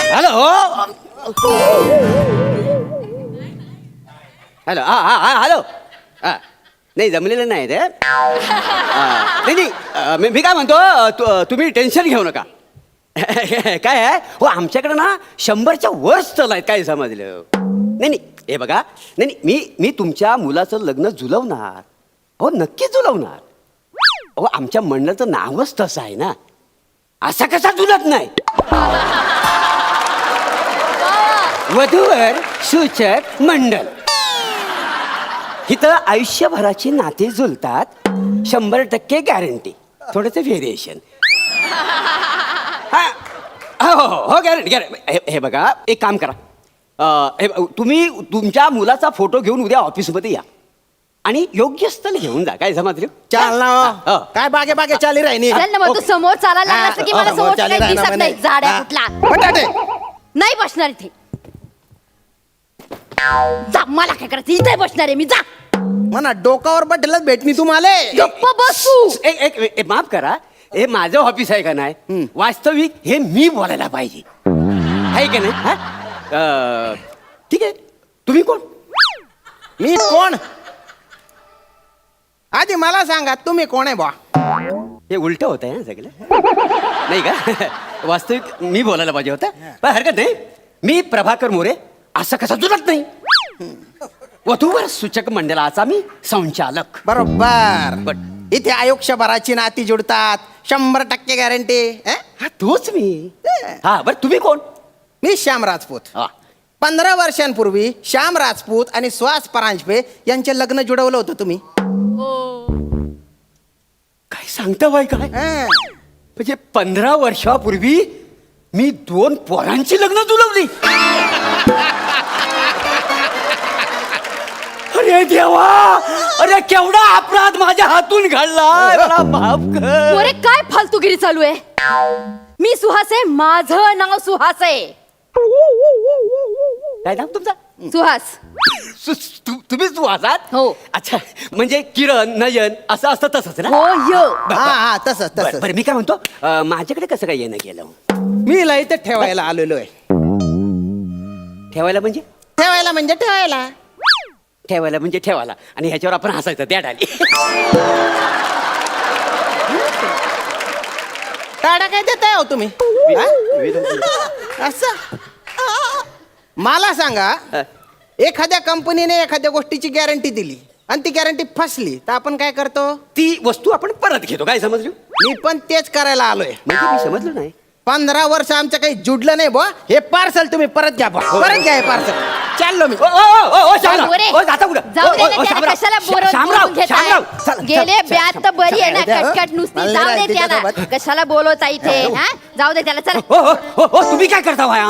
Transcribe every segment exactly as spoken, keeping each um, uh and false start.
Hello hello हा हा हा हॅलो हा नाही जमलेलं नाही ते हा, नाही नाही अ, मी मी काय म्हणतो तु- तुम्ही टेन्शन घेऊ नका काय आहे हो आमच्याकडे ना शंभरच्या वर स्थल आहेत काय समजलं नाही नाही हे बघा नाही नाही मी मी तुमच्या मुलाचं लग्न जुलवणार हो नक्की जुलवणार हो आमच्या मंडळाचं नावच तसं आहे ना असा कसा जुलत नाही वधूवर सूचक मंडळ इथं आयुष्यभराची नाती जुलतात शंभर टक्के गॅरंटी थोडंसं व्हेरिएशन हो हो हो गॅरंटी गॅरंटी हे बघा एक काम करा अं, हे ब- तुम्ही तुमच्या मुलाचा फोटो घेऊन उद्या ऑफिसमध्ये या आणि योग्य स्थळ घेऊन जा काय समजलं चाल ना हो. हो. काय बागे बागे चाली राहिनी चल ना मग तू समोर चालायला लागला असं की मला समोर काही दिसत नाही झाड आहे कुठला बटाटे नाही बसणार इथे जा मला काय करायचं इथे बसणार आहे मी जा म्हणा डोकावर बटलच भेटणी तुम्हाला गप्प बसू एक एक एक- माफ करा हे माझं ऑफिस आहे का नाही वास्तविक हे मी बोलायला पाहिजे आहे का नाही हा? अं, ठीक आहे तुम्ही कोण मी कोण आधी मला सांगा तुम्ही कोण आहे बा हे उलट होत आहे ना सगळं नाही का वास्तविक मी बोलायला पाहिजे होतं पण हरकत नाही मी प्रभाकर मोरे असं कसं जुलत नाही वधूवर सूचक मंडळाचा मी संचालक बरोबर बट इथे आयुष्यभराची नाती जुडतात शंभर टक्के गॅरंटी हा तोच मी हा बरं तुम्ही कोण मी श्याम राजपूत हा पंधरा वर्षांपूर्वी श्याम राजपूत आणि सुहास परांजपे यांचे लग्न जुडवलं होतं तुम्ही काय सांगता बाई काय हं. म्हणजे पंधरा वर्षापूर्वी मी दोन पोरांची लग्न जुळवली अरे देवा अरे केवढा अपराध माझ्या हातून घडलाय मला माफ कर अरे काय फालतूगिरी चालू आहे मी सुहास आहे माझं नाव सुहास आहे काय नाव तुमचा सुहास सु- तु- तुम्हीच तू आहात हो. अच्छा म्हणजे किरण नयन असं असतं तसंच ना हो यो हा हा तसंच बरं तसंच बरं, मी काय म्हणतो अं, माझ्याकडे कसं काय येणं गेलं मी इला इथे ठेवायला आलेलो आहे ठेवायला म्हणजे ठेवायला म्हणजे ठेवायला ठेवायला म्हणजे ठेवायला आणि ह्याच्यावर आपण हसायचं त्या डाली टाळा काय देताय हो तुम्ही हा? असं मला सांगा एखाद्या कंपनीने एखाद्या गोष्टीची गॅरंटी दिली आणि ती गॅरंटी फसली तर आपण काय करतो ती वस्तू आपण परत घेतो काय समजलं मी पण तेच करायला आलोय म्हणजे मी समजलो नाही पंधरा वर्ष आमचं काही जुडलं नाही बुवा हे पार्सल तुम्ही परत घ्या बुवा. परत घ्या हे पार्सल चाललो मी ओ, ओ, ओ, ओ, शामराव. मोरे. ओ, जाता कुठं? जाऊ ओ, दे ओ, ना, ओ, त्याला शामराव. कशाला बोरं शामराव, बोलून घेताय? शामराव. चला, गेले चला, ब्यात चला, तर बरी आहे ना चला, चला, कटकट नुसती चला, जाऊ दे चला, त्याला चला, कशाला बोलवता इथे हा जाऊ दे त्याला चला ओ, ओ, ओ, ओ, तुम्ही काय करता भाया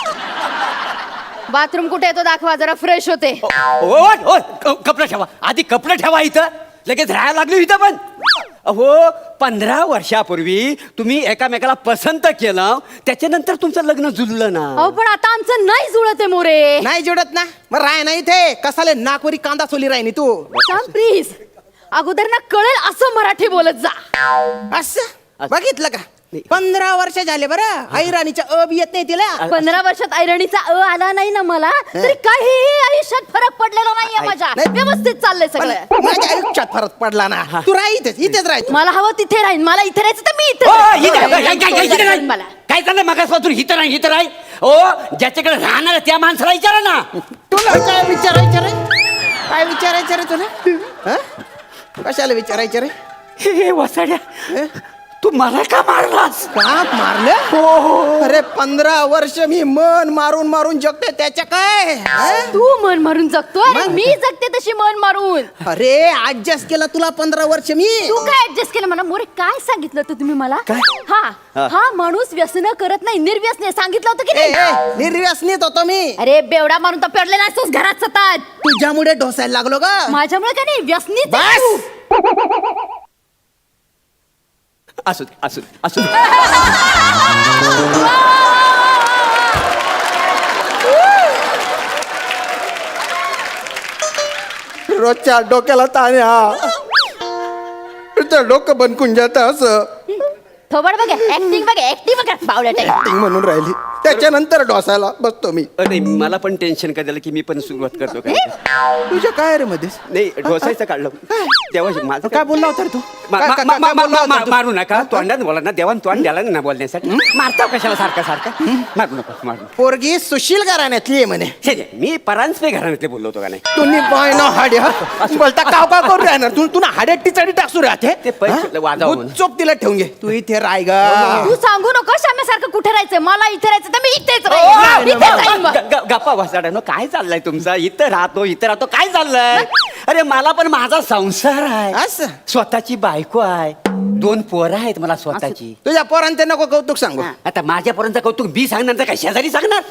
बाथरूम कुठे येतो दाखवा जरा फ्रेश होते ओ, ओ, ओ, क- कपडे ठेवा आधी कपडे ठेवा इथं लगेच राहायला लागलो इथं पण अहो पंधरा वर्षापूर्वी तुम्ही एकामेकाला पसंत केलं त्याच्यानंतर तुमचं लग्न जुळलं ना अहो पण आता आमचं नाही जुळत आहे मोरे नाही जुडत ना मग राय नाही इथे कसाले नागपुरी कांदा सोली राहिनी तू सांग प्लीज अगोदर ना कळेल असं मराठी बोलत जा असं बघितलं का पंधरा वर्ष झाले बरं आई राणीच्या अ बी येत नाही तिला पंधरा वर्षात ऐरणीचा अ आला नाही ना मला तरी काहीही आयुष्यात फरक पडलेला नाहीये माझ्या नाही. व्यवस्थित चाललंय पण सगळं माझ्या आयुष्यात फरक पडला ना तू राह इथेच इथेच राह तू. मला हवं तिथे राहीन मला इथे राहायचं तर मी इथे ओ, राहीन. इथं, काय- काय- काय- काय- इथं नाही. मला काय चाललंय मगासपासून हिथं नाही हिथं नाही ओ ज्याच्याकडे राहणार आहे त्या माणसाला विचारा ना तुला काय विचारायचं रे काय विचारायचं रे तुला हं? कशाला विचारायचं रे हे हे वसाड्या तू मला का मारलास का मारलं हो अरे पंधरा वर्ष मी मन मारून मारून जगते त्याच्या काय हं? तू मन मारून जगतोय आणि मी जगते तशी मन मारून अरे ऍडजस्ट केला तुला पंधरा वर्ष मी तू काय ऍडजस्ट केलं मला मोरे काय सांगितलं होतं तुम्ही मला काय? हा हा. हा माणूस व्यसन करत नाही निर्व्यसने सांगितलं होतं की ए, नाही ए, निर्व्यसनीत होतो मी अरे बेवडा मारून तर पेरले नसतोस घरात सतत तुझ्यामुळे ढोसायला लागलो ग माझ्यामुळे काय नाही व्यसनीच आहे बस तू. असू दे असू दे असू दे रोजच्या डोक्याला ताण आहे हा तुझं डोकं बनकून जात असं थोबड बघा ऍक्टिंग बघा ऍक्टिंग बघा बावळट आहे म्हणून राहिली त्याच्यानंतर डोसायला बसतो मी. अ, नाही मला पण टेन्शन काय झालं की मी पण सुरुवात करतो काय तुझ्या काय रे मध्येच नाही ढोसायचं काढलं तेव्हा माझं काय बोलला होता रे तू? मा- काय- मा- काय- मा- काय मा- बोलला मा- होता मा- तू? मारू नका तोंडात बोला ना देवान तोंड द्याला ना बोलण्यासाठी मारता कशाला सारखं सारखं मारू नका मारू नका. पोरगी सुशील घराण्यातली आहे म्हणे. छे, छे, मी परांजपे घराण्यातले बोललो होतो का नाही तुम्ही बाय ना हाड्या बोलता काव काव करून राहणार तू तुला हाड्यात टिचाडी टाकसू राहते ते पैसे वाजावं म्हणून. चोप तिला ठेवून घे तू इथे राय गा. तू सांगू नको श्याम्यासारखं कुठे राहायचंय मला इथे राहायचं तर मी इथेच ओ, राहीन. इथेच राहीन मग. ग- ग- गप्पा वासाड्यानो काय चाललंय तुमचा इथं राहतो इथं राहतो काय चाललंय अरे मला पण माझा संसार आहे असं? स्वतःची बायको आहे दोन पोरं आहेत मला स्वतःची तुझ्या पोरांचे नको कौतुक सांगू. आता माझ्यापर्यंत कौतुक बी सांगणार तर काय शेजारी सांगणार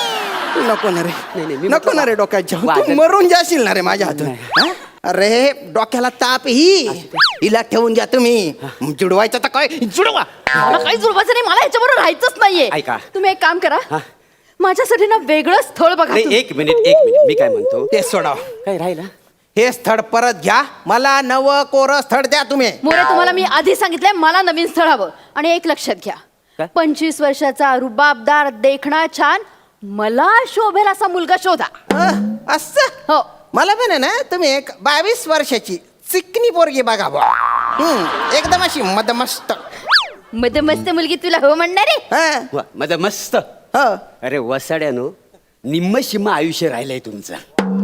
नको ना रे नाही, नाही, मी नको म्हटलं ना रे डोक्याच्या तू वाजत- मरून जाशील ना रे माझ्या हातून हा? अरे डोक्याला ताप ही हिला ठेवून घ्या तुम्ही जुडवायचं तर काय जुडवा. मला काही जुळवायचं नाही मला ह्याच्याबरोबर राहायचंच नाहीये ऐका. तुम्ही एक काम करा हा. माझ्यासाठी ना वेगळं स्थळ बघा नाही तुम्ही. एक मिनिट एक मिनिट मी काय म्हणतो ते सोडाव काय राहिला हे स्थळ परत घ्या मला नव कोर स्थळ द्या तुम्ही. मोरे तुम्हाला मी आधी सांगितलंय मला नवीन स्थळ हवं आणि एक लक्षात घ्या काय? पंचवीस वर्षाचा रुबाबदार देखणा छान मला शोभेल असा मुलगा शोधा. अं, असं हो मला पण आहे ना तुम्ही एक बावीस वर्षाची चिकनी पोरगी बघा बुवा. हम्म, एकदम अशी मदमस्त. मध्ये मस्त मुलगी तुला हो म्हणणार आहे हा, वा माझं मस्त हो. अरे वसाड्यानो निम्म शिम्म आयुष्य राहिलंय तुमचं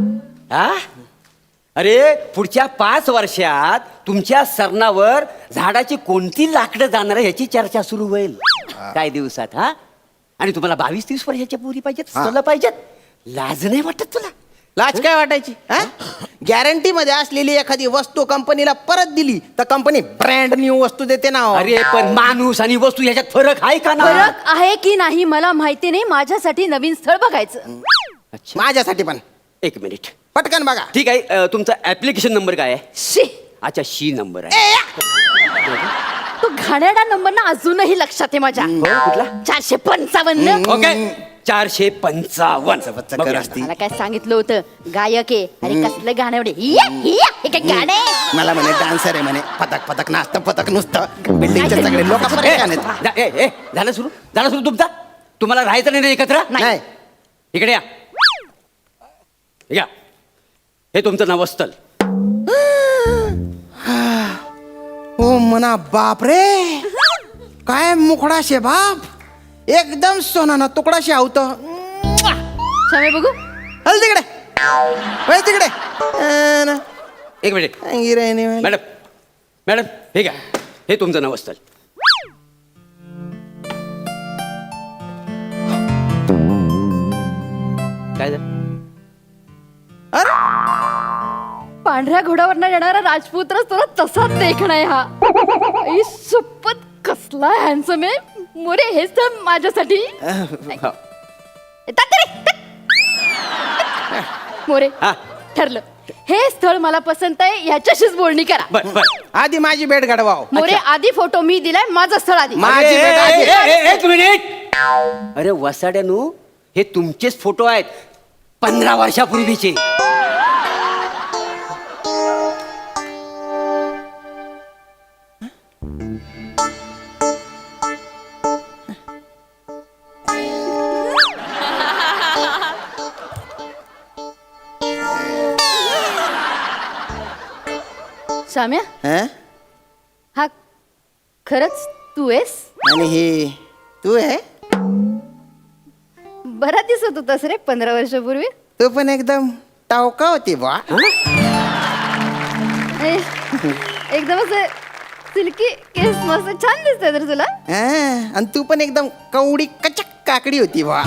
हा अरे पुढच्या पाच वर्षात तुमच्या सरणावर झाडाची कोणती लाकडं जाणार आहे याची चर्चा सुरू होईल काय दिवसात हा आणि तुम्हाला बावीस तीस वर्षाच्या पोरी पाहिजेत हा. सलं पाहिजेत लाज नाही वाटत तुला लाज काय वाटायची गॅरंटी मध्ये असलेली एखादी वस्तू कंपनीला परत दिली तर कंपनी ब्रँड न्यू वस्तू देते ना हो. अरे पण माणूस आणि वस्तू याच्यात फरक आहे का ना फरक आहे की नाही मला माहिती नाही माझ्यासाठी नवीन स्थळ बघायचं. अच्छा माझ्यासाठी पण एक मिनिट पटकन बघा. ठीक आहे अ, तुमचा ऍप्लिकेशन नंबर काय आहे शी अच्छा शी नंबर आहे ए, या. तो घाणेरडा नंबर ना अजूनही लक्षात आहे माझ्या हो, कुठला चारशे पंचावन्न ओके चारशे पंचावन्न बच्चा बघूया. कर असती. मला काय सांगितलं होतं गायक आहे अरे कसलं गाणं एवढे हिया, हिया, हे काय गाणं आहे? मला म्हणे डान्सर आहे म्हणे पथक पथक नाचतं पथक नुसतं बिल्डिंगचे सगळे लोक ए, जा- ए, ए, झालं सुरू झालं सुरू तुमचा तुम्हाला राहायचं नाही ना एकत्र नाही इकडे या या हे तुमचं नवस्थल ओ मना बाप रे काय मुखडा शे बाप एकदम सोनाना तुकडा शे आवत शामे बघू हल तिकडे वळ तिकडे अं, ना. एक मिनिट अंगिरायने वाली. मॅडम मॅडम हे घ्या हे तुमचं नवस्थल काय झालं अरे पांढऱ्या घोड्यावर येणारा राजपुत्रच तुला तसाच देखणं आहे हा आई सुपत कसला हॅन्सम आहे मोरे हेच तर माझ्यासाठी हो. येतात रे, येतात. मोरे हा ठरलं हे स्थळ मला पसंत आहे ह्याच्याशीच बोलणी करा बर बर आधी माझी भेट घडवाव मोरे आधी फोटो मी दिलाय माझं स्थळ आधी मा- माझी अरे, बेटा ए, आहे. ए, ए, एक मिनिट अरे वसाड्यानू हे तुमचेच फोटो आहेत पंधरा वर्षापूर्वीचे शाम्या हं? हा खरंच तू आहेस आणि हे तू आहे बरा दिसत होतास रे पंधरा वर्षापूर्वी तू पण एकदम टावका होती बा ए, एकदम असं सिल्की केस मस्त छान दिसतंय तर तुला आणि तू पण एकदम कवडी कचक काकडी होती बा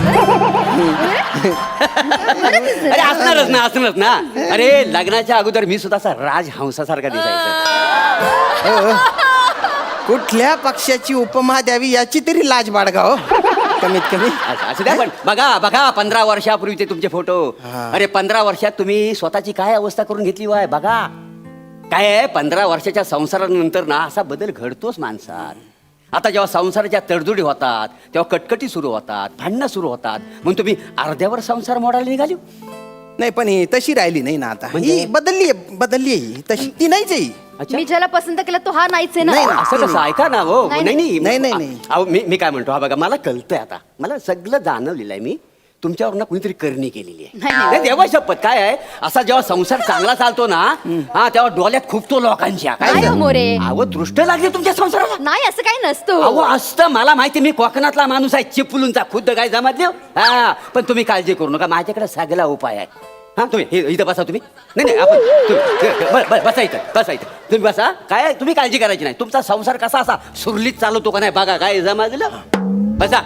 अरे असणारच ना असणारच ना अरे लग्नाच्या अगोदर मी सुद्धा असा राजहंसासारखा दिसायचा कुठल्या पक्षाची उपमा द्यावी याची तरी लाज बाळगा हो कमीत कमी असं असं द्या पण बघा बघा पंधरा वर्षापूर्वीचे तुमचे फोटो अरे पंधरा वर्षात तुम्ही स्वतःची काय अवस्था करून घेतली वाय बघा काय आहे पंधरा वर्षाच्या संसारानंतर ना असा बदल घडतोच माणसात आता जेव्हा संसाराच्या तडजोडी होतात तेव्हा कटकटी सुरू होतात भांडणं सुरू होतात म्हणून तुम्ही अर्ध्यावर संसार मोडायला निघाली नाही पण ही तशी राहिली नाही ना आता म्हणजे? ही बदलली आहे बदलली आहे ही तशी ती नाहीच आहे ही. अच्छा. मी ज्याला पसंत केलं तो हा नाहीच आहे नाही, ना नाही. असं कसं ऐका ना हो नाही, नाही नाही, नाही, नाही. अहो मी मी काय म्हणतो हा बघा मला कळतंय आता मला सगळं जाणवलेलं आहे मी तुमच्यावर ना कुणीतरी करणी केलेली आहे नाही, नाही. नाही, देवा शपथ काय आहे असा जेव्हा संसार चांगला चालतो ना हा तेव्हा डोळ्यात खूप तो लोकांच्या नाही हो, मोरे. अहो दृष्ट लागली तुमच्या संसाराला नाही असं काही नसतो अहो असतं मला माहिती मी कोकणातला माणूस आहे चिपळूणचा खुद्द काय जमात हा पण तुम्ही काळजी करू नका माझ्याकडे सगळा उपाय आहे हा तुम्ही हे- इथं बसा तुम्ही नाही नाही आपण तुम्ही- ब- ब- बसा इथं बसा इथं तुम्ही बसा काय तुम्ही काळजी करायची नाही तुमचा संसार कसा असा सुरलीत चालवतो का नाही बघा काय जमाजलं बसा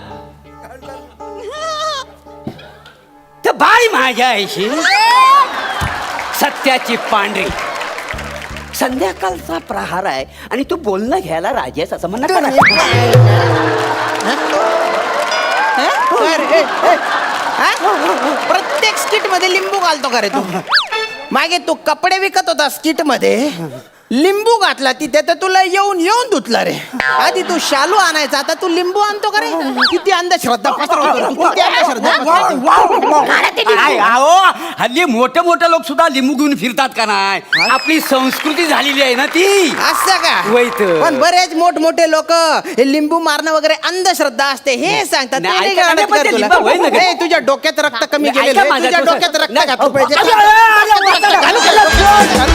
तर बाई माझ्या आईशी सत्याची पांढरी संध्याकाळचा प्रहार आहे आणि तू बोलणं घ्यायला राजी आहेस असं म्हणणं करा. काय रे? ए, ए, हा? प्रत्येक स्किट मध्ये लिंबू घालतो का रे तू मागे तू कपडे विकत होता स्किट मध्ये लिंबू घातला तिथे तर तुला येऊन येऊन धुतला रे आधी तू शालू आणायचा आता तू लिंबू आणतो का रे किती अंधश्रद्धा पसरवतो रे. किती अंधश्रद्धा पसरवतो. काय अहो हल्ली मोठे मोठे लोक सुद्धा लिंबू घेऊन फिरतात का नाही आपली संस्कृती झालेली आहे ना ती असं का वैत. पण बरेच मोठमोठे लोक हे लिंबू मारणं वगैरे अंधश्रद्धा असते हे सांगतात नाही, ते नाही ऐका, कळत नाही, पण का ते तुला? लिंबू होईल ना का? ए, तुझ्या डोक्यात रक्त कमी ऐका गेलेलं आहे. माझं, तुझ्या तुझं- डोक्यात रक्त नाही, घातलं पाहिजे अरे, अरे, अरे, अरे, अरे, अरे, अरे, अरे, अरे, अरे, अरे,